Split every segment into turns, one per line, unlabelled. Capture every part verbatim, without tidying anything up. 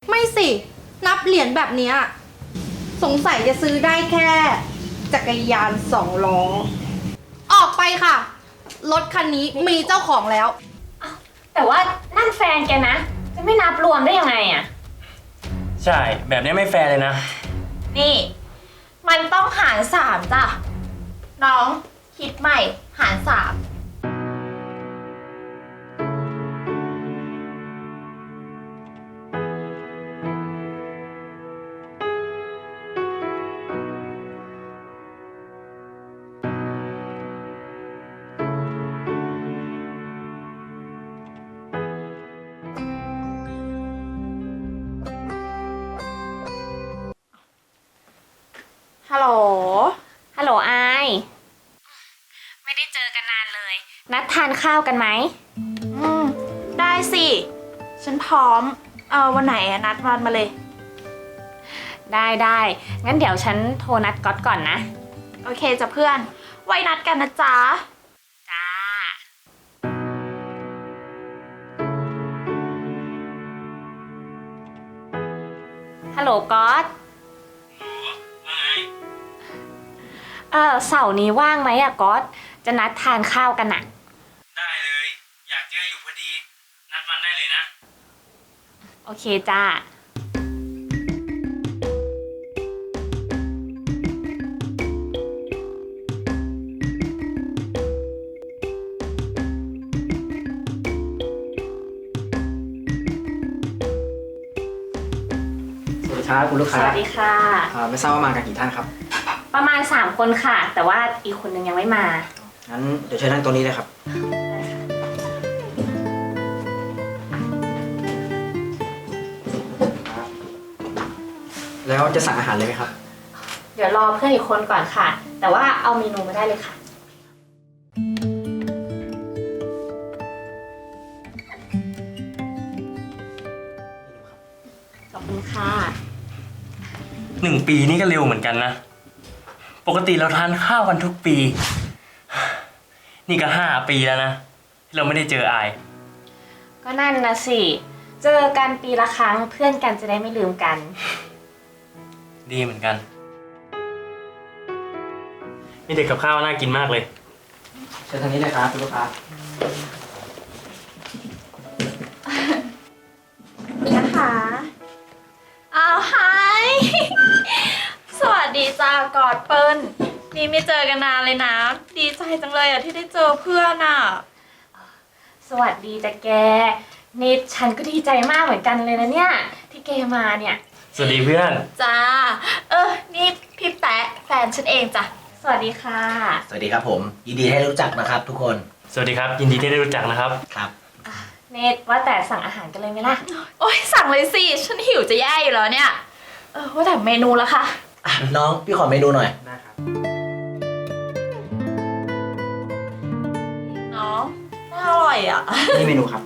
ไม่สินับเหรียญแบบนี้สงสัยจะซื้อได้แค่จักรยานสองล้อออกไปค่ะรถคันนี้มีเจ้าของแล้ว
แต่ว่านั่นแฟนแกนะจะไม่นับรวมได้ยังไงอะ
ใช่แบบนี้ไม่แฟร์เลยนะ
นี่มันต้องหารสามจ้ะน้องคิดใหม่หารสามฮัลโหล ฮัลโหลไอไม่ได้เจอกันนานเลย นัดทานข้าวกันไหมอืมได้สิ ฉันพร้อม เออวันไหนอะนัดวันมาเลย ได้ได้งั้นเดี๋ยวฉันโทรนัดก๊อตก่อนนะ โอเคจ้ะเพื่อน ไว้นัดกันนะจ๊ะ จ้า ฮัลโหลก๊อตเออเสาร์นี้ว่างไหมอะก๊อตจะนัดทานข้าวกันอะ
ได้เลยอยากเจออยู่พอดีนัดวันได้เลยนะ
โอเคจ้า
สวัสดีครับคุณลูกค้า
สวัสดีค่ะ
ไม่ทราบว่ามากันกี่ท่านครับ
ประมาณสามคนค่ะแต่ว่าอีกคนนึงยังไม่มา
งั้นเดี๋ยวเชิญนั่งตรงนี้เลยครับแล้วจะสั่งอาหารเลยไหมครับ
เดี๋ยวรอเพื่อนอีกคนก่อนค่ะแต่ว่าเอาเมนูมาได้เลยค่ะขอบคุณค่ะ
หนึ่งปีนี่ก็เร็วเหมือนกันนะปกติเราทานข้าวกันทุกปีนี่ก็ห้าปีแล้วนะที่เราไม่ได้เจออาย
ก็นั่นนะสิเจอกันปีละครั้งเพื่อนกันจะได้ไม่ลืมกัน
ดีเหมือนกันมีเด็กกับข้าวน่ากินมากเลย
เชิญทางนี้เลยครับคุณลูกค้า
นะคะอ้าวไฮสวัสดีจ้ากอดเปิ้ลนี่ไม่เจอกันนานเลยนะดีใจจังเลยอ่ะที่ได้เจอเพื่อนอ่ะสวัสดีจ้ะแกนี่ฉันก็ดีใจมากเหมือนกันเลยนะเนี่ยที่แกมาเนี่ย
สวัสดีเพื่อน
จ้าเออนี่พี่แป๊ะแฟนฉันเองจ้ะสวัสดีค่ะ
สวัสดีครับผมยินดีให้รู้จักนะครับทุกคน
สวัสดีครับยินดีที่ได้รู้จักนะครับ
ครับ
เนทว่าแต่สั่งอาหารกันเลยไหมล่ะ
โอ๊ยสั่งเลยสิฉันหิวจะแย่อยู่แล้วเนี่ยเออว่าแต่เมนูละค่ะ
น้องพี่ขอเมนูหน่อย
ได้ครับ
น้องน่าอร่อยอ่ะ
นี่เมนูครับ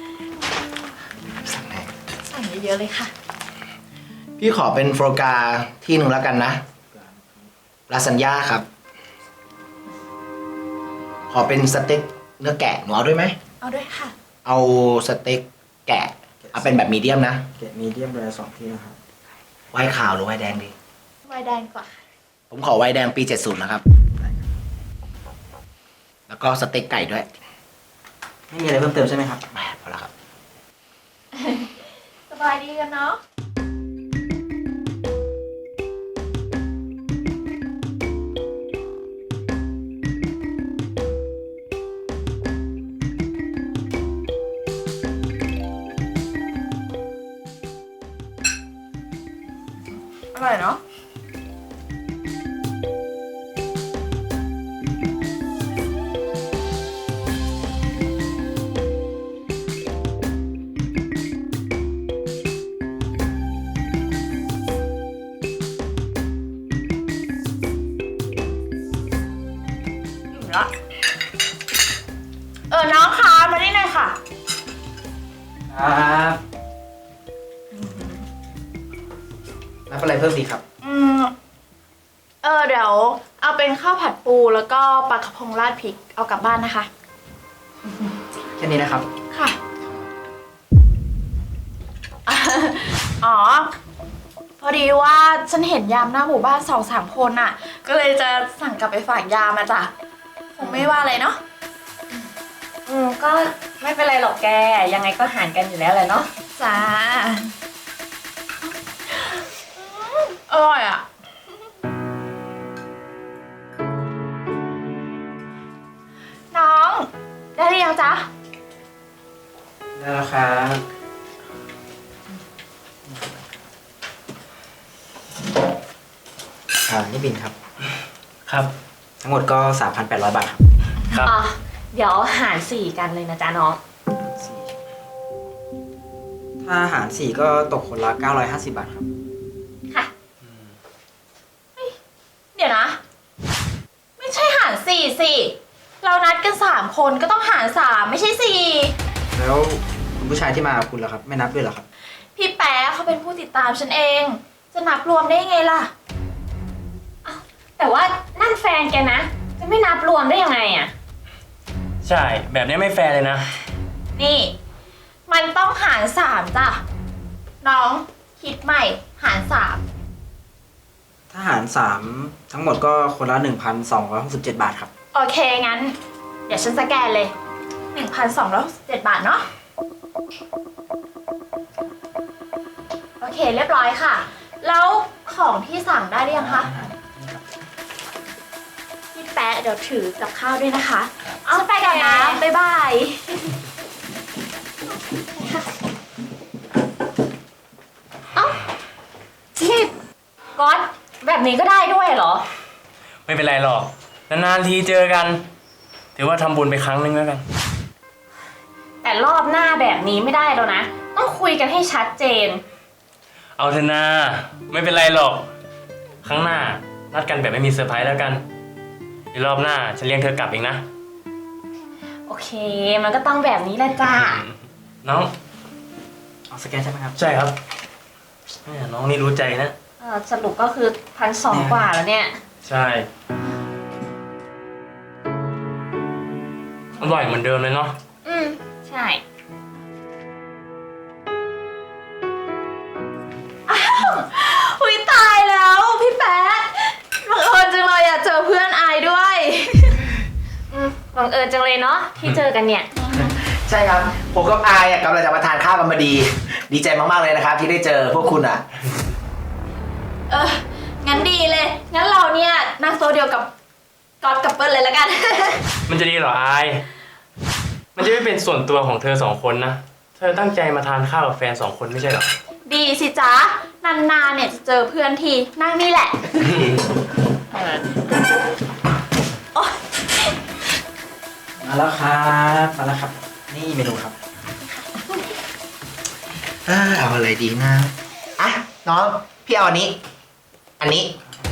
สั่งไหน
สั่งเยอะๆเลยค่ะ
พี่ขอเป็นโฟกาที่หนึ่งแล้วกันนะลาซานญ่าครับขอเป็นสเต็กเนื้อแกะหนูเอาด้วยไหม
เอาด้วยค่ะ
เอาสเต็กแกะเอาเป็นแบบมีเดียมนะ
แกะมีเดียมเลยสองที่นะครับ
ไวน์ขาวหรือไวน์แดงดี
ไวน์แดงก่อน
ผมขอไวน์แดงปีเจ็ดสิบนะครับแล้วก็สเต็กไก่ด้วย
ไม่มีอะไรเพิ่มเติมใช่ไหมครับ
ไม่พอแล้วครับ
สบายดีกันเนาะอร่อยเนาะละเออน้องคะมาได้หน่อยค่ะ
ครับรับอะไรเพิ่มดีครับ
อืมเออเดี๋ยวเอาเป็นข้าวผัดปูแล้วก็ปลากระพงราดพริกเอากลับบ้านนะคะ
แค่นี้นะครับ
ค่ะอ๋อ พอดีว่าฉันเห็นยามหน้าหมู่บ้านสองสามคนอ่ะ ก็เลยจะสั่งกลับไปฝากยามมาจ้ะคงไม่ว่าอะไรเนาะ
อืมก็ไม่เป็นไรหรอกแก ยังไงก็หารกันอยู่แล้วแหละเนาะ
จ้าอร่อยอ่ะ น้อง ได้หรือยังจ๊ะ
ได้แล้วครับอ่านี่บินครับ
ครับ
ทั้งหมดก็ สามพันแปดร้อย บาทครับ
ครับ
อ่ะ เดี๋ยวหารสี่กันเลยนะจ๊ะน้อง
สี่ถ้าหารสี่ก็ตกคนละเก้าร้อยห้าสิบบาทครับ
ค่ะ
เดี๋ยวนะ ไม่ใช่หารสี่สิเรานัดกันสามคนก็ต้องหารสามไม่ใช่สี่
แล้วคุณผู้ชายที่มากับคุณล่ะครับ ไม่นับด้วยเหรอครับ
พี่แป๊ะเขาเป็นผู้ติดตามฉันเอง จะนับรวมได้ไงล่ะ
แต่ว่านั่นแฟนแกนะ จะไม่นับรวมได้ยังไงอะ
ใช่ แบบนี้ไม่แฟร์เลยนะ
นี่ มันต้องหารสามจ้ะ น้องคิดใหม่หารสาม
ถ้าหารสามทั้งหมดก็คนละ หนึ่งพันสองร้อยหกสิบเจ็ด บาทครับ
โอเค งั้น เดี๋ยวฉันสแกนเลย หนึ่งพันสองร้อยหกสิบเจ็ด บาทเนาะ โอเค เรียบร้อยค่ะ แล้วของที่สั่งได้หรือยังคะ พี่แป๊ะเดี๋ยวถือกับข้าวด้วยนะคะเอาไปก่อนนะ บ๊ายบาย
ที่ก๊อตแบบนี้ก็ได้ด้วยเหรอ
ไม่เป็นไรหรอก นานๆทีเจอกัน ถือว่าทำบุญไปครั้งนึงแล้วกัน
แต่รอบหน้าแบบนี้ไม่ได้แล้วนะ ต้องคุยกันให้ชัดเจน
เอาเถอะนาไม่เป็นไรหรอก ครั้งหน้านัดกันแบบไม่มีเซอร์ไพรส์แล้วกันเดี๋ยวรอบหน้าฉันเลี้ยงเธอกลับเองนะ
โอเค มันก็ต้องแบบนี้แหละจ้า
น้อง
เอาสแกนใช่ไหมครับ
ใช่ครับแม่น้องนี่รู้ใจนะ
เออสรุปก็คือพันสองกว่าแล้วเนี่ย
ใช่ อร่อยเหมือนเดิมเลยเนาะ
อืม ใช่
อุ้ยตายแล้วพี่แป๊ะบังเอิญจังเลยอะเจอเพื่อนอายด้วย
อืมบังเอิญจังเลยเนาะที่เจอกันเนี่ย
ใช่ครับ ผมกับอายอะกำลังจะมาทานข้าวกันมาดี ดีใจมากๆเลยนะครับ ที่ได้เจอพวกคุณอ่ะ
เออ งั้นดีเลย งั้นเราเนี่ยนั่งโซเดียวกับก๊อตกับเปิ้ลเลยแล้วกัน
มันจะดีเหรออาย มันจะไม่เป็นส่วนตัวของเธอสองคนนะ เธอตั้งใจมาทานข้าวกับแฟนสองคนไม่ใช่เหรอ
ดีสิจ๊ะ นานๆเนี่ยจะเจอเพื่อนทีนั่งนี่แหละ โอ๊ย
มาแล้วครับมาแล้วครับ นี่เมนูครับ
เอ้อเอาอะไรดีนะอ่ะน้องพี่เอาอันนี้ อันนี้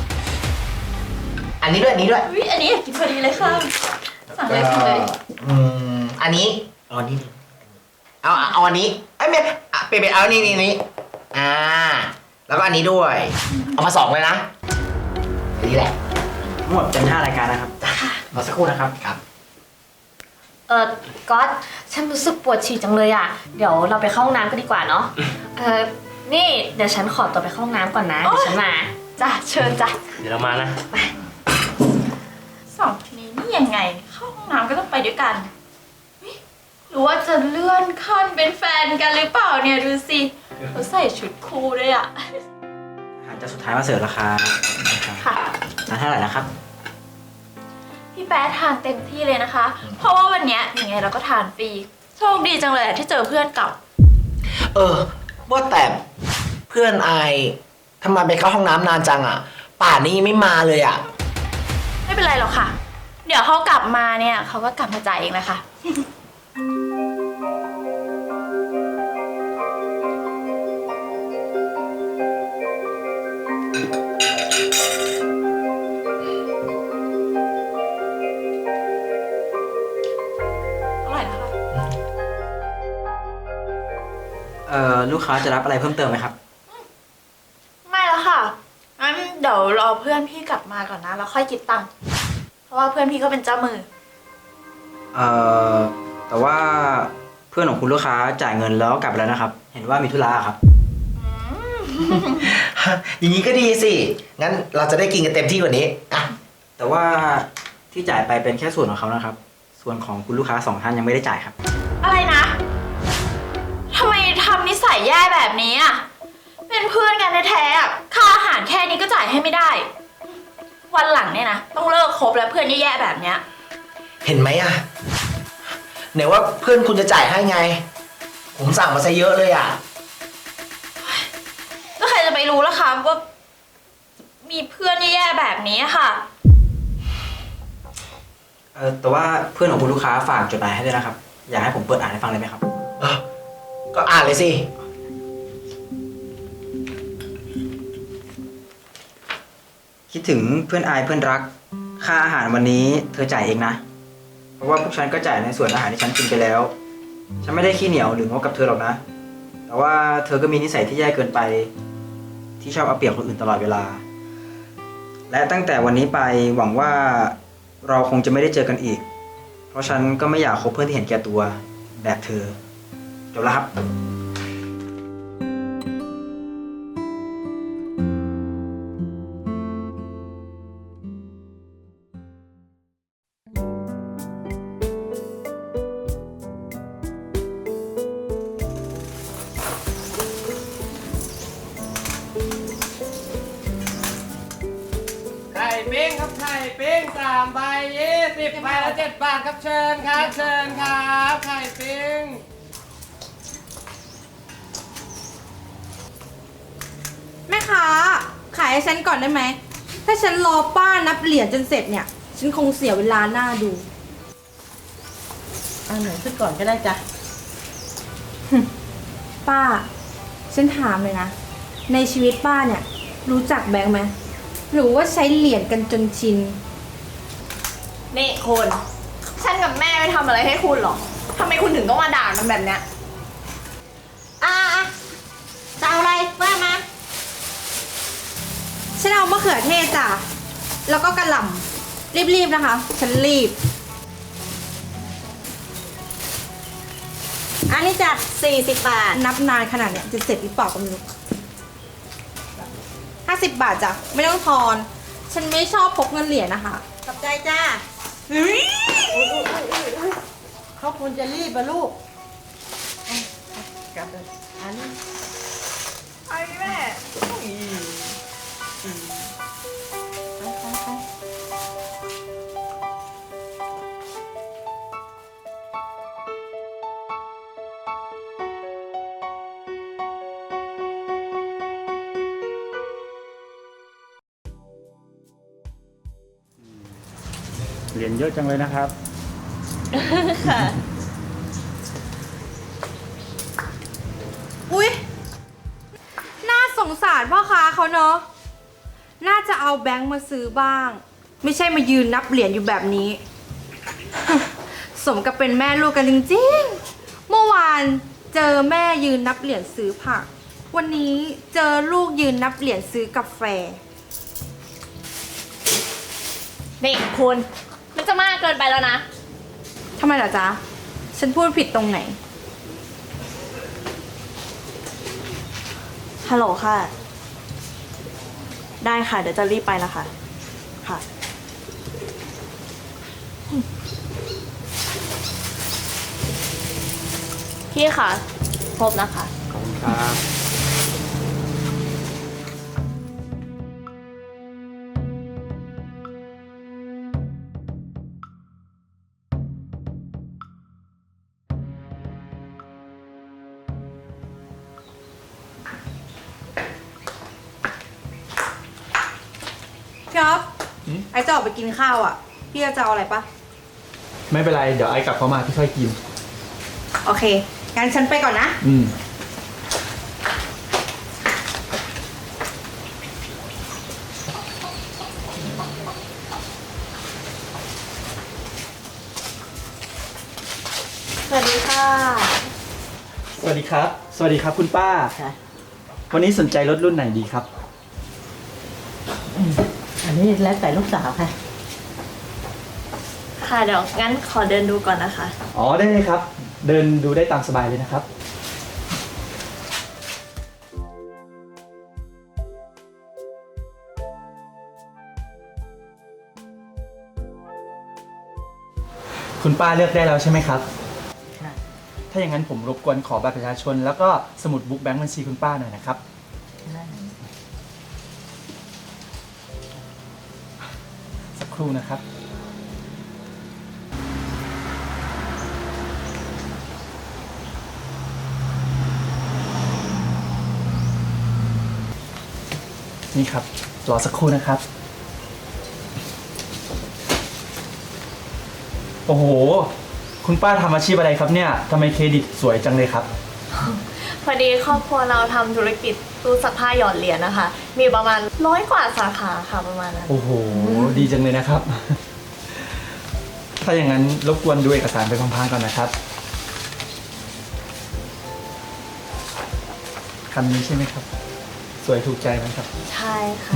อันนี้ด้วยอันนี้ด้วย
อุ๊ยอันนี้อยากกินพอดีเลยค่ะ สั่งเลยสั่งเลย
อืมอันนี้เอาอันนี้ดิเอาเอาอันนี้ไอ้ยไม่อ่ะเปเปเอาอันนี้นี่นี่อ่า แล้วก็อันนี้ด้วย เอามาสองเลยนะอันนี้แหละ
ทั้งหมดเป็นห้ารายการนะครับรอสักครู่นะครับ
ครับ
เออก๊อตฉันรู้สึกปวดฉี่จังเลยอ่ะ เดี๋ยวเราไปเข้าห้องน้ำกันดีกว่าเนาะ เออนี่เดี๋ยวฉันขอตัวไปเข้าห้องน้ำก่อนนะ เดี๋ยวฉันมา
จ้ะเชิญจ้ะ
เดี๋ยวเรามานะ
สองคนนี้นี่ยังไง เข้าห้องน้ำก็ต้องไปด้วยกันเฮ้ยหรือว่าจะเลื่อนขั้นเป็นแฟนกันหรือเปล่าเนี่ยดูสิเขาใส่ชุดคู่ด้วยอ่ะ
อาหารจานสุดท้ายมาเสิร์ฟราคา
ค่ะ
ทานเท่าไหร่นะครับ
พี่แป๊ะทานเต็มที่เลยนะคะ เพราะว่าวันเนี้ยยังไงเราก็ทานฟรี โชคดีจังเลยอะที่เจอเพื่อนเก่า
เออ ว่าแต่เพื่อนอายทำไมไปเข้าห้องน้ำนานจังอ่ะ ป่านนี้ยังไม่มาเลยอ่ะ
ไม่เป็นไรหรอกค่ะ เดี๋ยวเขากลับมาเนี่ยเขาก็กลับมาจ่ายเองแหละค่ะ อร่อยนะคะ
เอ่อลูกค้าจะรับอะไรเพิ่มเติมไหมครับ
ไม่แล้วค่ะงั้นเดี๋ยวรอเพื่อนพี่กลับมาก่อนนะแล้วค่อยคิดตังค์เพราะว่าเพื่อนพี่ก็เป็นเจ้ามือ
เอ่อแต่ว่าเพื่อนของคุณลูกค้าจ่ายเงินแล้วกลับไปแล้วนะครับ เห็นว่ามีธุระครับ
อืม
อย่างนี้ก็ดีสิ งั้นเราจะได้กินกันเต็มที่กว่านี้อ่ะ
แต่ว่าที่จ่ายไปเป็นแค่ส่วนของเขานะครับ ส่วนของคุณลูกค้าสองท่านยังไม่ได้จ่ายครับ
อะไรนะทำไมทำนิสัยแย่แบบนี้อ่ะ เป็นเพื่อนกันแท้ๆอะค่าอาหารแค่นี้ก็จ่ายให้ไม่ได้ วันหลังเนี่ยนะต้องเลิกคบแล้วเพื่อนแย่ๆแบบเนี้ย
เห็นไหมอ่ะไหนว่าเพื่อนคุณจะจ่ายให้ไง ผมสั่งมาซะเยอะเลยอ่ะ
ก็ใครจะไปรู้ล่ะคะว่ามีเพื่อนแย่ๆแบบนี้อะค่ะ
เออแต่ว่าเพื่อนของคุณลูกค้าฝากจดหมายให้ด้วยนะครับ อยากให้ผมเปิดอ่านให้ฟังเลยไหมครับ
เอ้าก็อ่านเลยสิ
คิดถึงเพื่อนอายเพื่อนรัก ค่าอาหารวันนี้เธอจ่ายเองนะ เพราะว่าพวกฉันก็จ่ายในส่วนอาหารที่ฉันกินไปแล้ว ฉันไม่ได้ขี้เหนียวหรืองกกับเธอหรอกนะ แต่ว่าเธอก็มีนิสัยที่แย่เกินไป ที่ชอบเอาเปรียบคนอื่นตลอดเวลา และตั้งแต่วันนี้ไปหวังว่าเราคงจะไม่ได้เจอกันอีก เพราะฉันก็ไม่อยากคบเพื่อนที่เห็นแก่ตัวแบบเธอ จบแล้วครับ
ไข่ปิ้งครับไข่ปิ้งสามใบยี่สิบใบละเจ็ดบาทครับเชิญครับเชิญครับไข่ปิ้ง
แม่ค้าขายให้ฉันก่อนได้ไหม ถ้าฉันรอป้านับเหรียญจนเสร็จเนี่ย ฉันคงเสียเวลาหน้าดู
เอาหนูขึ้นก่อนก็ได้จ้ะ
ป้า ฉันถามเลยนะ ในชีวิตป้าเนี่ย รู้จักแบงค์ไหมหรือว่าใช้เหรียญกันจนชิน
นี่คุณฉันกับแม่ไม่ทำอะไรให้คุณหรอกทำไมคุณถึงต้องมาด่ามันแบบเนี้ย
อ่าจะเอาอะไรว่ามา ฉันเอามะเขือเทศจ้ะ แล้วก็กระหล่ำรีบๆนะคะ ฉันรีบ อันนี้จ้ะสี่สิบบาท นับนานขนาดเนี้ยจะเสร็จหรือเปล่าก็ไม่รู้ห้าสิบบาทจ้ะ ไม่ต้องทอน ฉันไม่ชอบพกเงินเหรียญนะคะ
ขอบใจจ้าเขาควรจะรีบอะลูกเอาเอากลับเลยอันนี้
ไอ้แม่
เหรียญเยอะจังเลยนะครับ
ค่ะ
อุ๊ย น่าสงสารพ่อค้าเขาเนอะ น่าจะเอาแบงค์มาซื้อบ้าง ไม่ใช่มายืนนับเหรียญอยู่แบบนี้ สมกับเป็นแม่ลูกกันจริงๆ เมื่อวานเจอแม่ยืนนับเหรียญซื้อผัก วันนี้เจอลูกยืนนับเหรียญซื้อกาแฟ
นี่คุณมันจะมากเกินไปแล้วนะ
ทำไมล่ะจ๊ะ ฉันพูดผิดตรงไหน
ฮัลโหลค่ะ ได้ค่ะ เดี๋ยวจะรีบไปแล้วค่ะ ค่ะ
พี่คะครบนะคะ
ขอบคุณครับ
พี่อ๊อฟไอ้จะออกไปกินข้าวอ่ะ พี่จะเอาอะไรปะ
ไม่เป็นไร เดี๋ยวไอ้กลับเข้ามาพี่ค่อยกิน
โอเค งั้นฉันไปก่อนนะ
อืม
สวัสดีค่ะ
สวัสดีครับ สวัสดีครับคุณป้า
ค่ะ
วันนี้สนใจรถรุ่นไหนดีครับ
อันนี้แล้วแต่ลูกสาวค่ะ
ค่ะเดี๋ยวงั้นขอเดินดูก่อนนะคะ
อ๋อ ได้เลยครับ เดินดูได้ตามสบายเลยนะครับคุณป้าเลือกได้แล้วใช่ไหมครับ ถ้าอย่างนั้นผมรบกวนขอบัตรประชาชน แล้วก็สมุดบุ๊กแบงค์บัญชีคุณป้าหน่อยนะครับ สักครู่นะครับ นี่ครับ รอสักครู่นะครับ โอ้โห คุณป้าทำอาชีพอะไรครับเนี่ยทำไมเครดิตสวยจังเลยครับ
พอดีครอบครัวเราทำธุรกิจตู้ซักผ้าหยอดเหรียญนะคะ มีประมาณร้อยกว่าสาขาค่ะประมาณนั้น
โอ้โห ดีจังเลยนะครับ ถ้าอย่างนั้นรบกวนดูเอกสารไปพลางๆก่อนนะครับคำนี้ใช่ไหมครับ สวยถูกใจไหมครับ
ใช่ค่ะ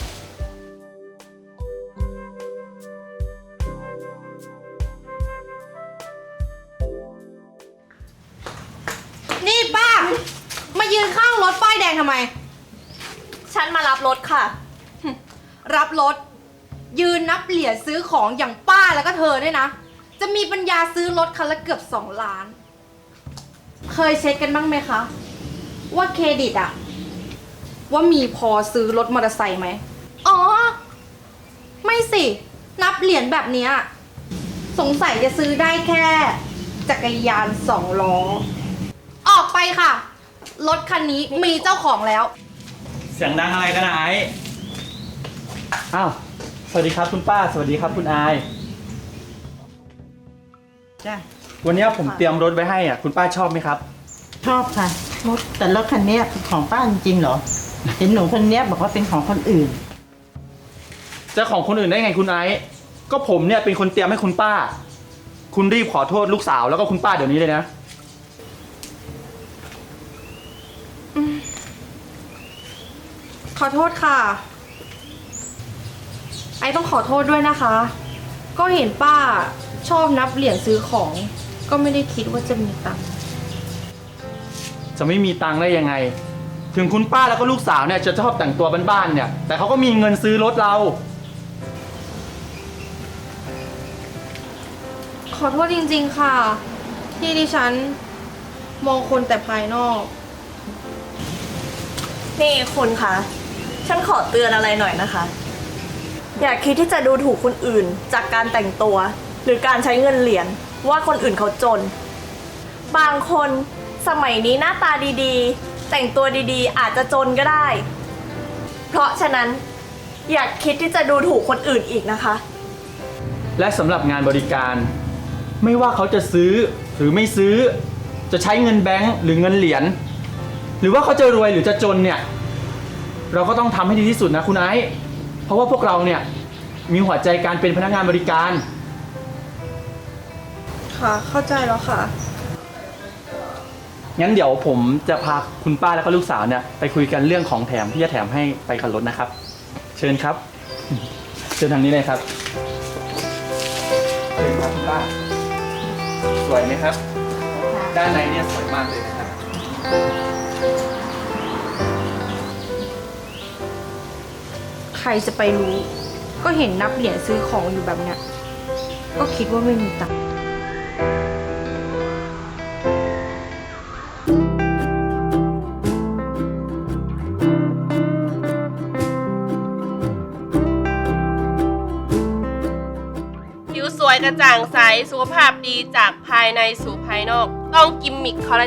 นี่ป้า มายืนข้างรถป้ายแดงทำไม
ฉันมารับรถค่ะ
รับรถ ยืนนับเหรียญซื้อของอย่างป้าแล้วก็เธอเนี่ยนะ จะมีปัญญาซื้อรถคันละเกือบสองล้าน เคยเช็คกันบ้างไหมคะ ว่าเครดิตอะว่ามีพอซื้อรถมอเตอร์ไซค์ไหมอ๋อ ไม่สิ นับเหรียญแบบเนี้ยสงสัยจะซื้อได้แค่จักรยานสองล้อ ออกไปค่ะ รถคันนี้มีเจ้าของแล้ว
เสียงดังอะไรกันนะไอ้อ้าว สวัสดีครับคุณป้า สวัสดีครับคุณอาย
จ้ะ
วันนี้ผมเตรียมรถไว้ให้อ่ะ คุณป้าชอบไหมครับ
ชอบค่ะรถแต่รถคันเนี้ยเป็นของป้าจริงๆเหรอ เห็นหนูคนเนี้ยบอกว่าเป็นของคนอื่น
จะของคนอื่นได้ไงคุณไอซ์ก็ผมเนี่ยเป็นคนเตรียมให้คุณป้า คุณรีบขอโทษลูกสาวแล้วก็คุณป้าเดี๋ยวนี้เลยนะ
ขอโทษค่ะ ไอต้องขอโทษด้วยนะคะ ก็เห็นป้าชอบนับเหรียญซื้อของ ก็ไม่ได้คิดว่าจะมีตังค์
จะไม่มีตังค์ได้ยังไง ถึงคุณป้าแล้วก็ลูกสาวเนี่ยจะชอบแต่งตัวบ้านๆเนี่ย แต่เขาก็มีเงินซื้อรถเรา
ขอโทษจริงๆค่ะ ที่ดิฉันมองคนแต่ภายนอก
นี่คุณคะ ฉันขอเตือนอะไรหน่อยนะคะ อย่าคิดที่จะดูถูกคนอื่นจากการแต่งตัว หรือการใช้เงินเหรียญว่าคนอื่นเขาจน บางคนสมัยนี้หน้าตาดีๆ แต่งตัวดีๆ อาจจะจนก็ได้ เพราะฉะนั้นอย่าคิดที่จะดูถูกคนอื่นอีกนะคะ
และสำหรับงานบริการ ไม่ว่าเขาจะซื้อหรือไม่ซื้อ จะใช้เงินแบงค์หรือเงินเหรียญหรือว่าเขาจะรวยหรือจะจนเนี่ย เราก็ต้องทำให้ดีที่สุดนะคุณไอซ์เพราะว่าพวกเราเนี่ยมีหัวใจการเป็นพนักงานบริการ
ค่ะ เข้าใจแล้วค่ะ
งั้นเดี๋ยวผมจะพาคุณป้าแล้วก็ลูกสาวเนี่ยไปคุยกันเรื่องของแถมที่จะแถมให้ไปกับรถนะครับ เชิญครับ เชิญทางนี้เลยครับเชิญครับคุณป้า สวยไหมครับ ด้านในเนี่ยสวยมากเลยนะครับ
ใครจะไปรู้ ก็เห็นนับเหรียญซื้อของอยู่แบบเนี้ย ก็คิดว่าไม่มีตังค์
ผิวสวยกระจ่างใส สุขภาพดีจากภายในสู่ภายนอก ต้องกิมมิคคอลลา